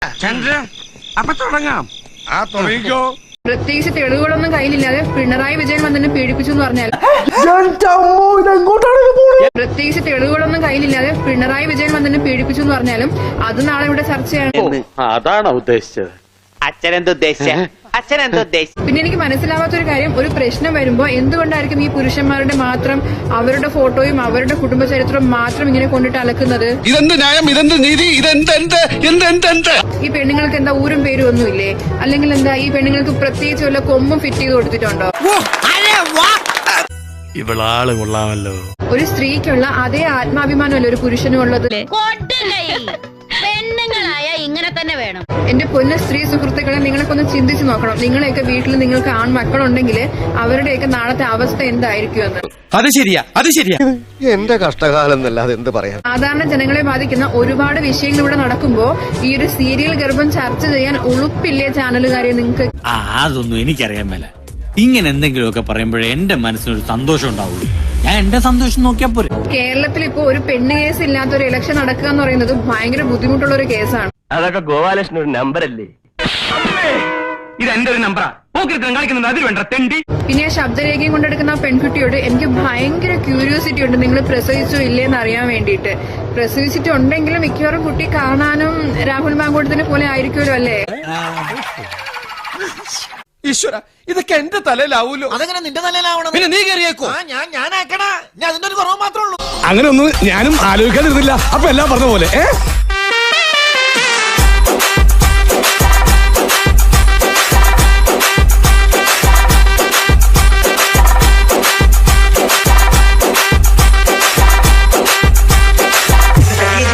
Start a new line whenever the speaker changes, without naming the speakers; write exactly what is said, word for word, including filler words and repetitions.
ചന്ദ്രൻ അപ്പൊ തുടങ്ങാം.
ആ തുടങ്ങിക്കോ.
പ്രത്യേകിച്ച് തെളിവുകളൊന്നും കയ്യിലില്ലാതെ പിണറായി വിജയൻ വന്നെ പീഡിപ്പിച്ചു എന്ന് പറഞ്ഞാൽ പ്രത്യേകിച്ച് തെളിവുകളൊന്നും കയ്യിലില്ലാതെ പിണറായി വിജയൻ വന്നെ പീഡിപ്പിച്ചു എന്ന് പറഞ്ഞാലും അത് നാളെ ഇവിടെ ചർച്ചയാണ്.
അതാണോ ഉദ്ദേശിച്ചത്?
പിന്നെ എനിക്ക് മനസ്സിലാവാത്ത ഒരു കാര്യം, ഒരു പ്രശ്നം വരുമ്പോ എന്തുകൊണ്ടായിരിക്കും ഈ പുരുഷന്മാരുടെ മാത്രം അവരുടെ ഫോട്ടോയും അവരുടെ കുടുംബ ചരിത്രവും മാത്രം ഇങ്ങനെ കൊണ്ടിട്ട് അലക്കുന്നത്?
ഇതെന്ത് ന്യായം, ഇതെന്ത് നീതി, ഇതെന്ത് എന്ത് എന്ത് എന്ത് എന്ത്
ഈ പെണ്ണുങ്ങൾക്ക് എന്താ ഊരും പേരും ഒന്നുമില്ലേ? അല്ലെങ്കിൽ എന്താ ഈ പെണ്ണുങ്ങൾക്ക് പ്രത്യേകിച്ച് വല്ല കൊമ്പും ഫിറ്റ് ചെയ്ത് കൊടുത്തിട്ടുണ്ടോ?
ഇവളാള് കൊള്ളാമല്ലോ.
ഒരു സ്ത്രീക്കുള്ള അതേ ആത്മാഭിമാനമല്ലേ ഒരു പുരുഷനും ഉള്ളത്?
പെണ്ണുങ്ങളായ ഇങ്ങനെ തന്നെ വേണം.
എന്റെ പൊന്ന സ്ത്രീ സുഹൃത്തുക്കളെ, നിങ്ങളൊക്കെ ഒന്ന് ചിന്തിച്ചു നോക്കണം. നിങ്ങളെയൊക്കെ വീട്ടിൽ നിങ്ങൾക്ക് ആൺമക്കളുണ്ടെങ്കിൽ അവരുടെയൊക്കെ നാളത്തെ അവസ്ഥ എന്തായിരിക്കും എന്ന്.
അത് ശരിയാ, അത് ശരിയാ.
എന്റെ കഷ്ടകാലം എന്നല്ലാതെ എന്ത് പറയാം.
സാധാരണ ജനങ്ങളെ ബാധിക്കുന്ന ഒരുപാട് വിഷയങ്ങൾ ഇവിടെ നടക്കുമ്പോ ഈ ഒരു സീരിയൽ ഗർഭം ചർച്ച ചെയ്യാൻ ഉളുപ്പില്ലേ ചാനലുകാരെ നിങ്ങൾക്ക്?
ആ അതൊന്നും എനിക്കറിയാൻ മേല. ഇങ്ങനെ എന്തെങ്കിലുമൊക്കെ പറയുമ്പോഴേ എന്റെ മനസ്സിനൊരു സന്തോഷം ഉണ്ടാവുള്ളൂ. ഞാൻ എന്റെ സന്തോഷം നോക്കിയാ പോരെ.
കേരളത്തിൽ ഇപ്പോ ഒരു പെണ്ണ് കേസ് ഇല്ലാത്ത ഒരു ഇലക്ഷൻ നടക്കുക എന്ന് പറയുന്നത് ഭയങ്കര ബുദ്ധിമുട്ടുള്ള ഒരു കേസാണ്.
അതൊക്കെ ഗോപാലകൃഷ്ണൻ ഒരു നമ്പർ അല്ലേ? ഇത് എന്റെ ഒരു നമ്പറാ. കളിക്കുന്നത് അതിൽ വേണ്ട തെണ്ടി.
പിന്നെ ആ ശബ്ദരേഖയും കൊണ്ടെടുക്കുന്ന ആ പെൺകുട്ടിയോട് എനിക്ക് ഭയങ്കര ക്യൂരിയോസിറ്റി ഉണ്ട്, നിങ്ങൾ പ്രസവിച്ചോ ഇല്ലേന്ന് അറിയാൻ വേണ്ടിയിട്ട്. പ്രസവിച്ചിട്ടുണ്ടെങ്കിലും മിക്കവാറും കുട്ടി കാണാനും രാഹുൽ മാങ്കൂട്ടത്തിനെ പോലെ ആയിരിക്കുമല്ലോ അല്ലേ?
ഈശ്വര, ഇതൊക്കെ എന്റെ തലയിലാവൂലോ.
അതെങ്ങനെ നിന്റെ തലയിലാവണം?
പിന്നെ നീ കയറിയേക്കോ?
ഞാൻ ഞാനാക്കണ, ഞാൻ അതിന്റെ ഒരു കുറവ് മാത്രമേ ഉള്ളൂ.
അങ്ങനെ ഒന്നും ഞാനും ആലോചിക്കാതിരുന്നില്ല. അപ്പൊ എല്ലാം പറഞ്ഞ പോലെ ഏ